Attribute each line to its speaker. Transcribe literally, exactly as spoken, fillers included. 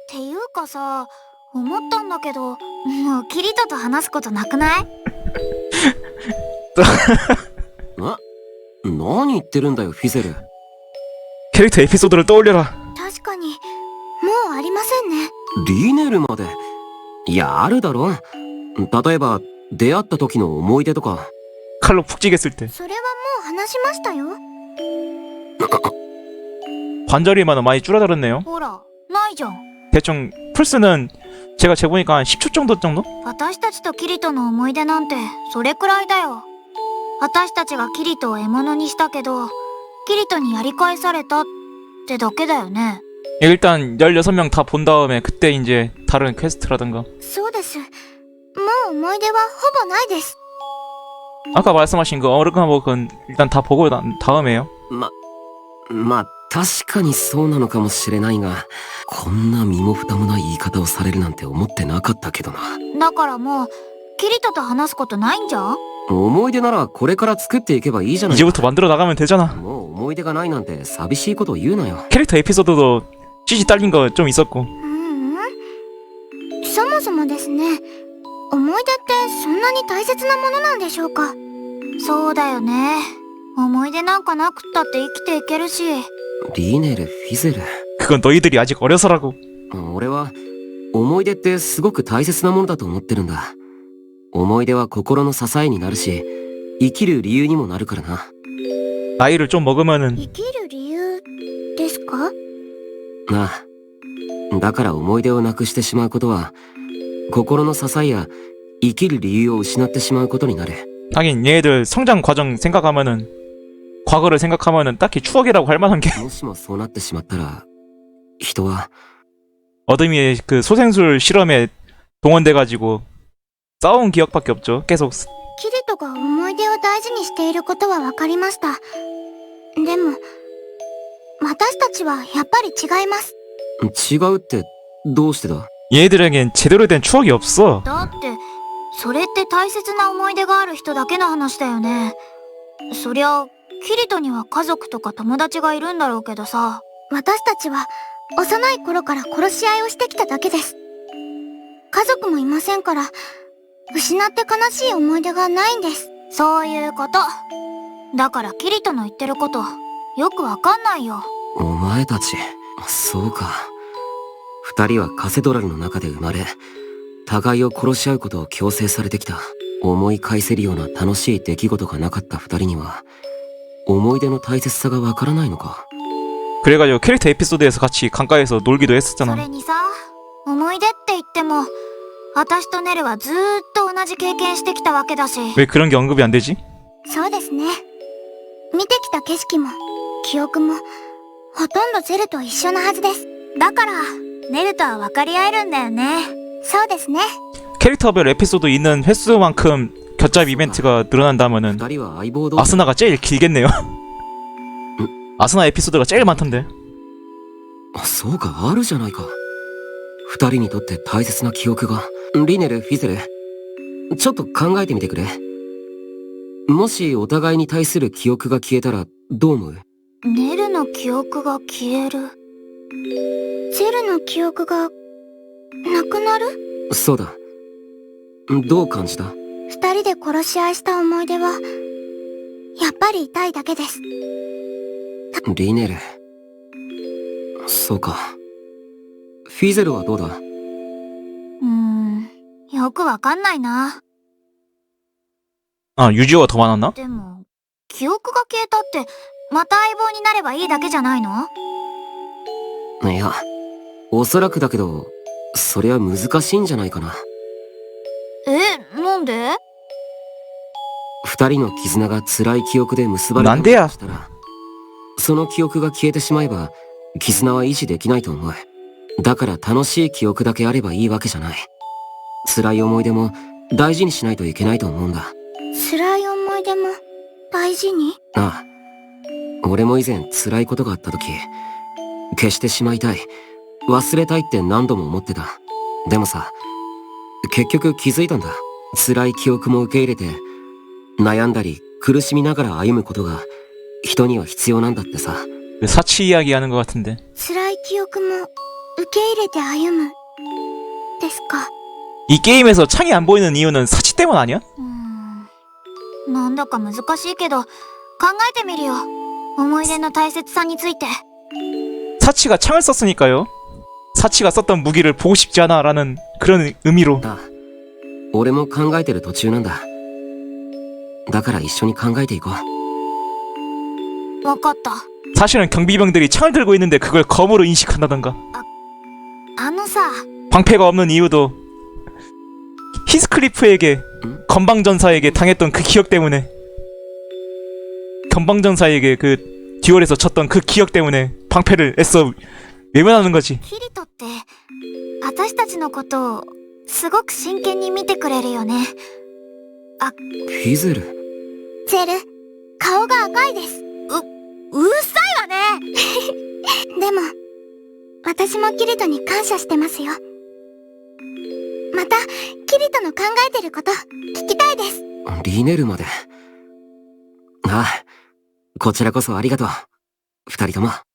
Speaker 1: ていうかさ、思ったんだけど、もうキリトと話すことなくない？
Speaker 2: な、何言ってるんだよフィゼル。
Speaker 3: 캐릭터 에피소드를 떠올려라.
Speaker 1: 確かに、もうありませんね。
Speaker 2: リネルまで。いや、あるだろ。例えば出会った時の思い出とか。
Speaker 3: 칼로 푹 찌겠을 때.
Speaker 1: それはもう話しましたよ。
Speaker 3: 관절이만 많이 줄어들었네요.
Speaker 1: ほら、ないじゃん。
Speaker 3: 대충 플스는 제가 재보니까 한 십 초 정도 정도?
Speaker 1: 私たちとキリトの思い出なんてそれくらいだよ。私たちがキリトを獲物にしたけど、キリトにやり返されたってだけだよね。
Speaker 3: 일단 열여섯 명 다 본 다음에 그때 이제 다른 퀘스트라든가.
Speaker 1: そうです。もう思い出はほぼないです。
Speaker 3: 아까 말씀하신 그 어르가목은 일단 다 보고 난 다음에요.
Speaker 2: ま、まあ確かにそうなのかもしれないが、こんな身も蓋もない言い方をされるなんて思ってなかったけどな。
Speaker 1: だからもうキリトと話すことないんじゃん。
Speaker 2: 思い出ならこれから作っていけばいいじゃないか。
Speaker 3: 이제부터 만들어 나가면 되잖아.
Speaker 2: もう思い出がないなんて寂しいことを言うなよ。
Speaker 3: 캐릭터 에피소드도 씨지 딸린 거 좀 있었고.
Speaker 1: ううん。そもそもですね、思い出ってそんなに大切なものなんでしょうか。そうだよね。思い出なんかなくったって生きていけるし。
Speaker 2: リネル、フィゼル。
Speaker 3: 그건 너희들이 아직 어려서라고.
Speaker 2: 俺は思い出ってすごく大切なものだと思ってるんだ。思い出は心の支えになるし、生きる理由にもなるからな。
Speaker 3: 나이를 좀 먹으면은
Speaker 1: 生きる理由ですか？
Speaker 2: なあ。だから思い出をなくしてしまうことは、心の支えや生きる理由を失ってしまうことになる。
Speaker 3: 하긴 얘네들 성장 과정 생각하면은 과거를 생각하면은 딱히 추억이라고 할 만한 게
Speaker 2: もしもそうなってしまったら、人は
Speaker 3: 어둠이의 그 소생술 실험에 동원돼가지고 싸운 기억밖에 없죠. 계속.
Speaker 1: キリトが思い出を大事にしていることは分かりました。でも私たちはやっぱり違います。
Speaker 2: 違うってどうしてだ？
Speaker 3: 얘네들에겐 제대로 된 추억이 없어.
Speaker 1: だってそれって大切な思い出がある人だけの話だよね。そりゃキリトには家族とか友達がいるんだろうけどさ。私たちは幼い頃から殺し合いをしてきただけです。家族もいませんから、失って悲しい思い出がないんです。そういうこと。だからキリトの言ってることよくわかんないよ。
Speaker 2: お前たち、そうか。二人はカセドラルの中で生まれ、互いを殺し合うことを強制されてきた。思い返せるような楽しい出来事がなかった二人には、思い出の大切さがわからないのか。
Speaker 3: 그래가지고 캐릭터 에피소드에서 같이 강가에서 놀기도
Speaker 1: そ
Speaker 3: 했었잖아.
Speaker 1: れにさ、思い出って言っても私とネルはずーっと同じ経験してきたわけだし。
Speaker 3: 왜 그런 게 언급이 안 되지?
Speaker 1: そうですね。見てきた景色も記憶もほとんどゼルと一緒なはずです。だからネルとは分かり合えるんだよね。そうですね。
Speaker 3: 캐릭터별 에피소드 있는 횟수만큼 겹잡이 이벤트가 늘어난다면은
Speaker 2: 二人は相棒同士。
Speaker 3: 아스나가 제일 길겠네요. 아스나 에피소드가 제일 많던데.
Speaker 2: そうか、あるじゃないか。二人にとって大切な記憶が。リネル、フィゼル、ちょっと考えてみてくれ。もしお互いに対する記憶が消えたらどう思う？
Speaker 1: ネルの記憶が消える。ゼルの記憶がなくなる？
Speaker 2: そうだ。どう感じた？
Speaker 1: 二人で殺し合いした思い出はやっぱり痛いだけです。
Speaker 2: リネル。そうか。フィゼルはどうだ？
Speaker 1: うーん、よくわかんないな。
Speaker 3: 아, 유지어가 더 많았나?
Speaker 1: でも記憶が消えたってまた相棒になればいいだけじゃないの？
Speaker 2: いや、おそらくだけど、それは難しいんじゃないかな。
Speaker 1: え、なんで？
Speaker 2: 二人の絆が辛い記憶で結ばれ
Speaker 3: なんでや
Speaker 2: たとしたら、その記憶が消えてしまえば絆は維持できないと思う。だから楽しい記憶だけあればいいわけじゃない。辛い思い出も大事にしないといけないと思うんだ。
Speaker 1: 辛い思い出も大事に？
Speaker 2: ああ、俺も以前辛いことがあった時、消してしまいたい、忘れたいって何度も思ってた。でもさ、結局気づいたんだ。辛い記憶も受け入れて、悩んだり苦しみながら歩むことが人には必要なんだってさ。
Speaker 3: 사치 이야기 하는 것 같은데.
Speaker 1: 辛い記憶も受け入れて歩むですか。
Speaker 3: 이 게임에서 창이 안 보이는 이유는 사치 때문 아니야?
Speaker 1: うーん、なんだか難しいけど考えてみるよ。思い出の大切さについて。
Speaker 3: 사치가 창을 썼으니까요. 사치가 썼던 무기를 보고 싶지 않아 라는 그런 의미로.
Speaker 2: あ、俺も考えてる途中なんだ。だから一緒に考えていこう。
Speaker 1: わかった。
Speaker 3: 사실은 경비병들이 창을 들고 있는데 그걸 검으로 인식한다던가.
Speaker 1: あのさ、
Speaker 3: 방패가 없는 이유도 히스클리프에게
Speaker 2: 응?
Speaker 3: 건방전사에게 당했던 그 기억 때문에, 건방전사에게 그 듀얼에서 쳤던 그 기억 때문에 방패를 애써 외면하는 거지.
Speaker 1: キリトって私たちのことをすごく真剣に見てくれるよね。
Speaker 2: フィズル。
Speaker 1: ゼル、顔が赤いです。う、うるさいわね。でも、私もキリトに感謝してますよ。また、キリトの考えてること、聞きたいです。
Speaker 2: リネルまで。ああ、こちらこそありがとう。二人とも。